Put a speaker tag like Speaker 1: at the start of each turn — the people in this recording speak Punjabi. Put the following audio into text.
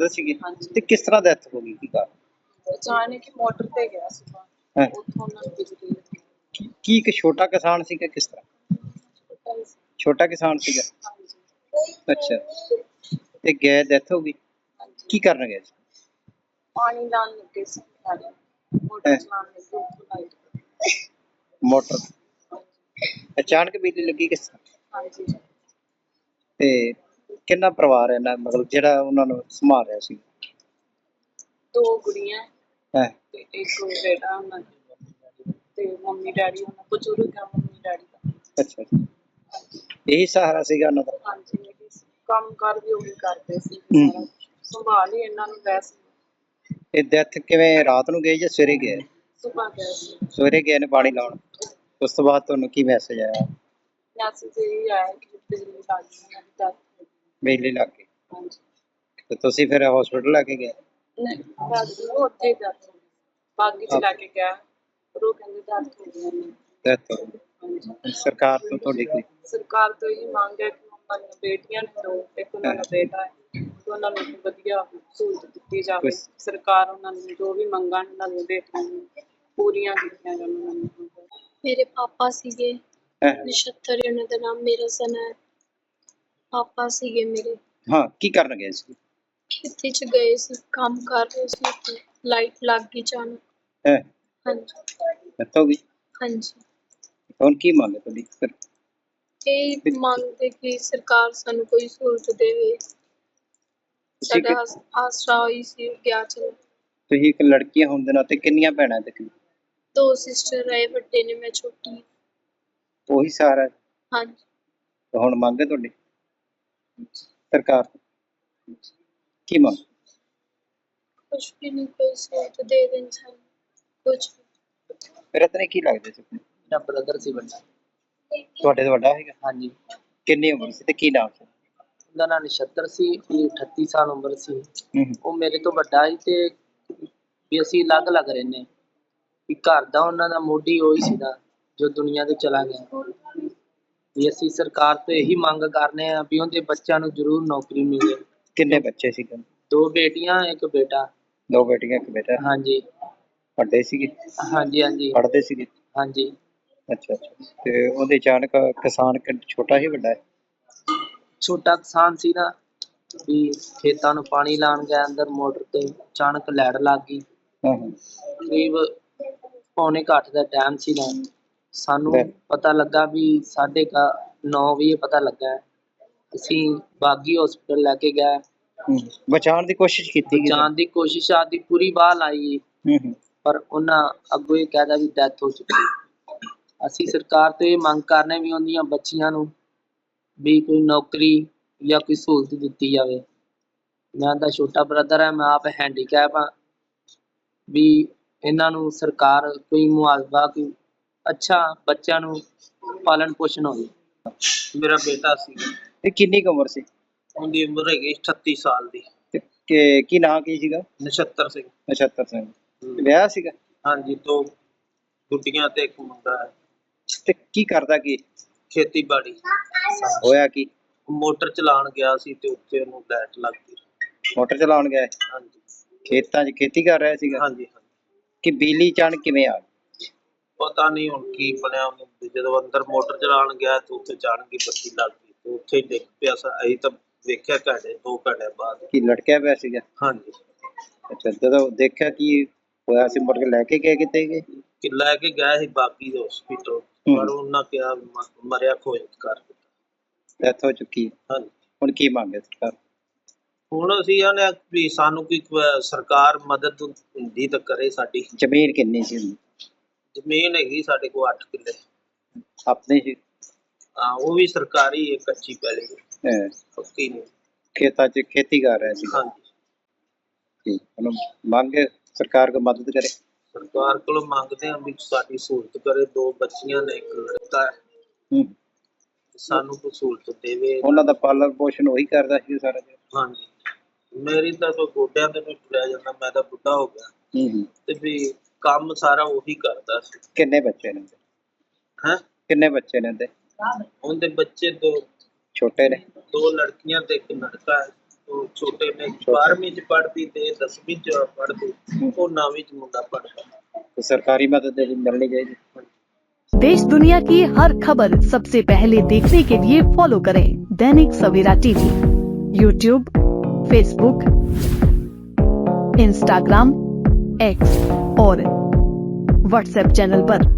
Speaker 1: ਸੀਗੇ
Speaker 2: ਹਾਂਜੀ।
Speaker 1: ਤੇ ਕਿਸ ਤਰ੍ਹਾਂ ਡੈਥ ਹੋ ਗਈ ਕੀ ਕਾਰਨ?
Speaker 2: ਅਚਾਨਕ ਹੀ ਮੋਟਰ ਤੇ ਗਿਆ ਸੀਗਾ,
Speaker 1: ਹੈਂ?
Speaker 2: ਉੱਥੋਂ ਉਹਨਾਂ ਨੂੰ ਬਿਜਲੀ ਲੱਗੀ।
Speaker 1: ਕੀ ਇੱਕ ਛੋਟਾ ਕਿਸਾਨ ਸੀਗਾ ਕਿਸ ਤਰ੍ਹਾਂ?
Speaker 2: ਛੋਟਾ ਹੀ ਸੀ।
Speaker 1: ਛੋਟਾ ਕਿਸਾਨ ਸੀਗਾ।
Speaker 2: ਹਾਂਜੀ।
Speaker 1: ਅੱਛਾ ਤੇ ਗਏ ਡੈਥ ਹੋ ਗਈ।
Speaker 2: ਹਾਂਜੀ।
Speaker 1: ਕੀ ਕਰਨ ਗਏ ਸੀ?
Speaker 2: ਪਾਣੀ ਲਾਉਣ ਲੱਗੇ ਸੀ ਨਾਲੇ, ਮੋਟਰ
Speaker 1: ਹੈਂ?
Speaker 2: ਚਲਾਉਣ ਲੱਗੇ ਉੱਥੋਂ ਲਾਈਟ।
Speaker 1: ਮੋਟਰ ਅਚਾਨਕ ਬਿਜਲੀ ਲੱਗੀ ਕਿਸ ਤਰ੍ਹਾਂ?
Speaker 2: ਹਾਂਜੀ।
Speaker 1: ਤੇ ਕਿੰਨਾ ਪਰਿਵਾਰ ਹੈ ਨਾ ਮਤਲਬ ਜਿਹੜਾ ਉਹਨਾਂ ਨੂੰ ਸੰਭਾਲ ਰਿਹਾ ਸੀ?
Speaker 2: 2 ਗੁੜੀਆਂ
Speaker 1: ਹੈ
Speaker 2: ਤੇ ਇੱਕ ਬੇਟਾ ਉਹਨਾਂ ਦਾ, ਤੇ ਮੰਮੀ ਡੈਡੀ ਉਹਨਾਂ ਬਜ਼ੁਰਗ ਆ ਮੰਮੀ ਡੈਡੀ ਦਾ।
Speaker 1: ਅੱਛਾ ਇਹੀ ਸਹਾਰਾ ਸੀਗਾ ਉਹਨਾਂ ਦਾ।
Speaker 2: ਹਾਂਜੀ, ਕੰਮ ਕਾਰ ਵੀ ਉਹੀ ਕਰਦੇ ਸੀ,
Speaker 1: ਹੂੰ।
Speaker 2: ਸਾਰਾ ਸੰਭਾਲ ਹੀ ਇਹਨਾਂ ਨੂੰ ਵੈਸੇ।
Speaker 1: ਇਹ ਡੈਥ ਕਿਵੇਂ ਰਾਤ ਨੂੰ ਗਏ ਜਾਂ ਸਵੇਰੇ ਗਏ?
Speaker 2: ਸੁਬਾਹ ਗਏ ਸੀ।
Speaker 1: ਸਵੇਰੇ ਗਏ ਨੇ ਪਾਣੀ ਲਾਉਣ।
Speaker 2: ਹਾਂਜੀ।
Speaker 1: ਉਸ ਤੋਂ ਬਾਅਦ ਤੁਹਾਨੂੰ ਕੀ ਮੈਸੇਜ ਆਇਆ?
Speaker 2: ਮੈਸੇਜ ਇਹ ਆਇਆ ਕਿ ਬਿਜਲੀ ਲੱਗ ਗਈ, ਉਹਨਾਂ ਦੀ death ਹੋ ਗਈ।
Speaker 1: ਬਿਜਲੀ ਲੱਗ ਗਈ
Speaker 2: ਹਾਂਜੀ।
Speaker 1: ਤੇ ਤੁਸੀਂ ਫਿਰ ਹਸਪੀਟਲ ਲੈ ਕੇ ਗਏ?
Speaker 2: ਨਹੀਂ, ਬਸ ਉਹ ਉੱਥੇ ਹੀ death ਹੋ ਗਈ। ਬਾਗੀ ਚ ਲੈ ਕੇ ਗਿਆ, ਪਰ ਉਹ ਕਹਿੰਦੇ death ਹੋ ਗਈ ਉਹਨਾਂ ਦੀ।
Speaker 1: ਡੈਥ
Speaker 2: ਹਾਂਜੀ।
Speaker 1: ਸਰਕਾਰ ਤੋਂ ਤੁਹਾਡੀ ਕੋਈ?
Speaker 2: ਸਰਕਾਰ ਤੋਂ ਇਹ ਮੰਗ ਹੈ ਕਿ ਉਹਨਾਂ ਦੀਆਂ ਬੇਟੀਆਂ ਨੂੰ ਦੋ, ਇੱਕ ਉਹਨਾਂ ਦਾ ਬੇਟਾ ਹੈ, ਤੇ ਉਹਨਾਂ ਨੂੰ ਵਧੀਆ ਸਹੂਲਤ ਦਿੱਤੀ ਜਾਵੇ। ਸਰਕਾਰ ਉਹਨਾਂ ਨੂੰ ਜੋ ਵੀ ਮੰਗਾਂ ਉਹਨਾਂ ਦੀਆਂ ਬੇਟੀਆਂ ਨੂੰ ਪੂਰੀਆਂ ਕੀਤੀਆਂ ਜਾਣ ਉਹਨਾਂ ਨੂੰ।
Speaker 3: ਮੇਰੇ ਪਾਪਾ ਸੀਗੇ, ਨਛੱਤਰ ਉਹਨਾਂ ਦਾ ਨਾਮ, ਮੇਰਾ ਸਨ ਹੈ। ਪਾਪਾ ਸੀਗੇ ਮੇਰੇ।
Speaker 1: ਹਾਂ, ਕੀ ਕਰਨ ਗਏ ਸੀ?
Speaker 3: ਖੇਤੀ ਚ ਗਏ ਸੀ, ਕੰਮ ਕਰ ਰਹੇ ਸੀ, ਤੇ ਲਾਈਟ ਲੱਗ ਗਈ ਅਚਾਨਕ।
Speaker 1: ਹੈ
Speaker 3: ਹਾਂਜੀ।
Speaker 1: ਡੈਥ ਹੋ ਗਈ।
Speaker 3: ਹਾਂਜੀ।
Speaker 1: ਹੁਣ ਕੀ ਮੰਗ ਹੈ ਤੁਹਾਡੀ ਫਿਰ?
Speaker 3: ਇਹ ਮੰਗਦੇ ਕਿ ਸਰਕਾਰ ਸਾਨੂੰ ਕੋਈ ਸਹੂਲਤ ਦੇਵੇ। ਸਾਡਾ ਆਸਰਾ ਹੋਈ ਸੀ ਗਿਆ ਚਲਾ।
Speaker 1: ਤੁਸੀਂ ਇੱਕ ਲੜਕੀ ਹੋਣ ਦੇ ਨਾਤੇ ਕਿੰਨੀਆਂ ਭੈਣਾਂ ਤੇ
Speaker 3: 2 ਸਿਸਟਰ ਹੈ, ਵੱਡੇ ਨੇ, ਮੈਂ ਛੋਟੀ ਹਾਂ।
Speaker 1: ਉਹੀ ਸਹਾਰਾ ਹੈ?
Speaker 3: ਹਾਂਜੀ।
Speaker 1: ਤੇ ਹੁਣ ਮੰਗ ਹੈ ਤੁਹਾਡੀ ਸਰਕਾਰ ਤੋਂ? ਕੀ ਮੰਗ?
Speaker 3: ਕੁਛ ਵੀ ਨਹੀਂ, ਕੋਈ ਸਹੂਲਤ ਦੇ ਦੇਣ ਸਾਨੂੰ ਕੁਛ।
Speaker 1: ਫਿਰ ਇਤਨੇ ਕੀ ਲੱਗਦੇ ਸੀ?
Speaker 4: ਮੇਰਾ ਬ੍ਰਦਰ ਸੀ ਵੱਡਾ।
Speaker 1: ਤੁਹਾਡੇ ਤੋਂ ਵੱਡਾ ਹੈਗਾ?
Speaker 4: ਹਾਂਜੀ।
Speaker 1: ਕਿੰਨੀ ਉਮਰ ਸੀ ਤੇ ਕੀ ਨਾਮ ਸੀ?
Speaker 4: ਉਹਦਾ ਨਾਂ ਨਛੱਤਰ ਸੀ, ਉਹਦੀ 38 ਸਾਲ ਉਮਰ ਸੀ।
Speaker 1: ਹੂੰ।
Speaker 4: ਉਹ ਮੇਰੇ ਤੋਂ ਵੱਡਾ ਸੀ ਤੇ ਵੀ ਅਸੀਂ ਅਲੱਗ-ਅਲੱਗ ਰਹਿੰਦੇ, ਵੀ ਘਰ ਦਾ ਉਹਨਾਂ ਦਾ ਮੋਢੀ ਉਹੀ ਸੀਗਾ ਜੋ ਦੁਨੀਆ ਤੋਂ ਚਲਾ ਗਿਆ। ਵੀ ਅਸੀਂ ਸਰਕਾਰ ਤੋਂ ਇਹੀ ਮੰਗ ਕਰਨੇ ਆ ਵੀ ਉਹਦੇ ਬੱਚਿਆਂ ਨੂੰ ਜ਼ਰੂਰ ਨੌਕਰੀ ਮਿਲੇ।
Speaker 1: ਕਿੰਨੇ ਬੱਚੇ ਸੀ?
Speaker 4: 2 ਬੇਟੀਆਂ, 1 ਬੇਟਾ।
Speaker 1: 2 ਬੇਟੀਆਂ 1 ਬੇਟਾ।
Speaker 4: ਹਾਂਜੀ।
Speaker 1: ਵੱਡੇ ਸੀਗੇ?
Speaker 4: ਹਾਂਜੀ ਹਾਂਜੀ।
Speaker 1: ਪੜ੍ਹਦੇ ਸੀਗੇ?
Speaker 4: ਹਾਂਜੀ।
Speaker 1: ਅੱਛਾ ਤੇ ਉਹਦੇ ਅਚਾਨਕ ਕਿਸਾਨ ਛੋਟਾ ਹੀ ਵੱਡਾ ਹੈ?
Speaker 4: ਛੋਟਾ ਕਿਸਾਨ ਸੀ ਨਾ, ਵੀ ਖੇਤਾਂ ਨੂੰ ਪਾਣੀ ਲਾਉਣ ਗਿਆ ਅੰਦਰ ਮੋਟਰ ਤੇ, ਅਚਾਨਕ ਲਾਈਟ ਲੱਗ ਗਈ। ਕਰੀਬ 8:45 ਦਾ ਟਾਈਮ ਸੀਗਾ। ਸਾਨੂੰ ਪਤਾ ਲੱਗਾ ਵੀ 9:30 ਵਜੇ ਪਤਾ ਲੱਗਾ। ਅਸੀਂ ਬਾਗੀ ਹਸਪੀਟਲ ਲੈ ਕੇ ਗਏ।
Speaker 1: ਬਚਾਉਣ ਦੀ ਕੋਸ਼ਿਸ਼ ਕੀਤੀ?
Speaker 4: ਬਚਾਉਣ ਦੀ ਕੋਸ਼ਿਸ਼ ਆਦੀ ਪੂਰੀ ਬਾਹ ਲਾਈ, ਪਰ ਉਹਨਾਂ ਅੱਗੋਂ ਇਹ ਕਹਿਦਾ ਵੀ ਡੈਥ ਹੋ ਚੁੱਕੀ। ਅਸੀਂ ਸਰਕਾਰ ਤੋਂ ਇਹ ਮੰਗ ਕਰਨੇ ਵੀ ਉਹਦੀਆਂ ਬੱਚੀਆਂ ਨੂੰ ਵੀ ਕੋਈ ਨੌਕਰੀ ਜਾਂ ਕੋਈ ਸਹੂਲਤ ਦਿੱਤੀ ਜਾਵੇ। ਮੈਂ ਤਾਂ ਛੋਟਾ ਬ੍ਰਦਰ ਹੈ, ਮੈਂ ਆਪ ਹੈਂਡੀਕੈਪ ਹਾਂ, ਵੀ ਇਹਨਾਂ ਨੂੰ ਸਰਕਾਰ ਕੋਈ ਮੁਆਵਜ਼ਾ, ਕੋਈ ਅੱਛਾ ਬੱਚਿਆਂ ਨੂੰ ਪਾਲਣ ਪੋਸ਼ਣ ਹੋਵੇ।
Speaker 5: ਮੇਰਾ ਬੇਟਾ ਸੀ।
Speaker 1: ਤੇ ਕਿੰਨੀ ਕੁ ਉਮਰ ਸੀ?
Speaker 5: ਉਹਦੀ ਉਮਰ ਹੈਗੀ 38 ਸਾਲ ਦੀ।
Speaker 1: ਤੇ ਕੀ ਨਾਂ ਕੀ ਸੀਗਾ?
Speaker 5: ਨਛੱਤਰ ਸਿੰਘ।
Speaker 1: ਨਛੱਤਰ ਸਿੰਘ। ਵਿਆਹ ਸੀਗਾ?
Speaker 5: ਹਾਂਜੀ, 2 ਗੁੱਡੀਆਂ ਤੇ 1 ਮੁੰਡਾ ਹੈ।
Speaker 1: ਤੇ ਕੀ ਕਰਦਾ ਕੀ?
Speaker 5: ਖੇਤੀਬਾੜੀ।
Speaker 1: ਹੋਇਆ ਕੀ?
Speaker 5: ਮੋਟਰ ਚਲਾਉਣ ਗਿਆ ਸੀ ਤੇ ਉੱਥੇ ਉਹਨੂੰ ਲਾਈਟ ਲੱਗ ਗਈ।
Speaker 1: ਮੋਟਰ ਚਲਾਉਣ ਗਿਆ?
Speaker 5: ਹਾਂਜੀ।
Speaker 1: ਖੇਤਾਂ 'ਚ ਖੇਤੀ ਕਰ ਰਿਹਾ ਸੀਗਾ?
Speaker 5: ਹਾਂਜੀ।
Speaker 1: ਕਿ ਬਿਜਲੀ ਅਚਾਨਕ ਕਿਵੇਂ ਆ ਗਈ?
Speaker 5: ਪਤਾ ਨਹੀਂ ਹੁਣ ਕੀ ਬਣਿਆ ਉਹਨੂੰ, ਜਦੋਂ ਅੰਦਰ ਮੋਟਰ ਚਲਾਉਣ ਗਿਆ ਤੇ ਉੱਥੇ ਅਚਾਨਕ ਹੀ ਬੱਤੀ ਲੱਗ ਗਈ ਤੇ ਉੱਥੇ ਹੀ ਡਿੱਗ ਪਿਆ। ਅਸੀਂ ਤਾਂ ਵੇਖਿਆ 2 ਘੰਟੇ ਬਾਅਦ।
Speaker 1: ਕੀ ਲਟਕਿਆ ਪਿਆ ਸੀਗਾ?
Speaker 5: ਹਾਂਜੀ।
Speaker 1: ਅੱਛਾ, ਜਦੋਂ ਦੇਖਿਆ ਕੀ ਹੋਇਆ ਸੀ ਮੁੜ ਕੇ ਲੈ ਕੇ ਗਏ ਕਿਤੇ ਗਏ?
Speaker 5: ਕਿ ਲੈ ਕੇ ਗਏ ਸੀ ਬਾਗੀ ਦੇ ਹਸਪੀਟਲ, ਪਰ ਉਹਨਾਂ ਕਿਹਾ ਮਰਿਆ ਖੋਜ ਕਰ ਦਿੱਤਾ।
Speaker 1: ਡੈਥ ਹੋ ਚੁੱਕੀ ਹੈ?
Speaker 5: ਹਾਂਜੀ।
Speaker 1: ਹੁਣ ਕੀ ਮੰਗ ਹੈ ਸਰਕਾਰ?
Speaker 5: ਹੁਣ ਅਸੀਂ ਆਨੇ ਵੀ ਸਾਨੂੰ ਕੋਈ ਸਰਕਾਰ ਮਦਦ ਹੁੰਦੀ ਤਾਂ ਕਰੇ ਸਾਡੀ।
Speaker 1: ਜ਼ਮੀਨ ਕਿੰਨੀ ਸੀ?
Speaker 5: ਜ਼ਮੀਨ ਹੈਗੀ ਸਾਡੇ ਕੋਲ 8 ਕਿੱਲੇ।
Speaker 1: ਆਪਣੀ ਸੀ?
Speaker 5: ਹਾਂ, ਉਹ ਵੀ ਸਰਕਾਰੀ ਹੈ, ਕੱਚੀ ਪੈਲੀ ਹੈ, ਪੱਕੀ ਨਹੀਂ।
Speaker 1: ਖੇਤਾਂ 'ਚ ਖੇਤੀ ਕਰ ਰਿਹਾ ਸੀ?
Speaker 5: ਹਾਂਜੀ।
Speaker 1: ਠੀਕ, ਹੁਣ ਮੰਗ ਸਰਕਾਰ ਕੋਲ ਮਦਦ ਕਰੇ?
Speaker 5: ਸਰਕਾਰ ਕੋਲੋਂ ਮੰਗਦੇ ਹਾਂ ਵੀ ਸਾਡੀ ਸਹੂਲਤ ਕਰੇ। 2 ਬੱਚੀਆਂ ਨੇ, 1 ਲੜਕਾ ਹੈ। ਸਾਨੂੰ ਕੋਈ ਸਹੂਲਤ ਦੇਵੇ।
Speaker 1: ਉਹਨਾਂ ਦਾ ਪਾਲਣ ਪੋਸ਼ਣ ਉਹੀ ਕਰਦਾ ਸੀ ਸਾਰਾ ਦਿਨ?
Speaker 5: ਹਾਂਜੀ। ਮੇਰੀ ਤਾਂ ਕੋਈ ਗੋਡਿਆਂ ਤੇ ਨਹੀਂ ਤੁਰਿਆ ਜਾਂਦਾ, ਮੈਂ ਤਾਂ ਬੁੱਢਾ ਹੋ ਗਿਆ। ਤੇ ਵੀ ਕੰਮ ਸਾਰਾ ਉਹੀ ਕਰਦਾ ਸੀ।
Speaker 1: ਕਿੰਨੇ ਬੱਚੇ ਨੇ?
Speaker 5: ਹੈਂ?
Speaker 1: ਕਿੰਨੇ ਬੱਚੇ ਨੇ ਉਹਦੇ?
Speaker 5: ਉਹਦੇ ਬੱਚੇ 2
Speaker 1: ਛੋਟੇ ਨੇ?
Speaker 5: 2 ਲੜਕੀਆਂ ਤੇ 1 ਲੜਕਾ ਹੈ। ਉਹ ਛੋਟੇ ਨੇ 12ਵੀਂ ਚ ਪੜ੍ਹਦੀ ਤੇ 10ਵੀਂ ਚ ਪੜ੍ਹਦੀ, ਉਹ 9ਵੀਂ ਚ ਮੁੰਡਾ ਪੜ੍ਹਦਾ।
Speaker 1: ਤੇ ਸਰਕਾਰੀ ਮਦਦ ਜਿਹੜੀ ਮਿਲਣੀ ਚਾਹੀਦੀ।
Speaker 6: देश दुनिया की हर खबर सबसे पहले देखने के लिए फॉलो करें Dainik Savera TV, YouTube, Facebook, Instagram, X और व्हाट्सएप चैनल पर।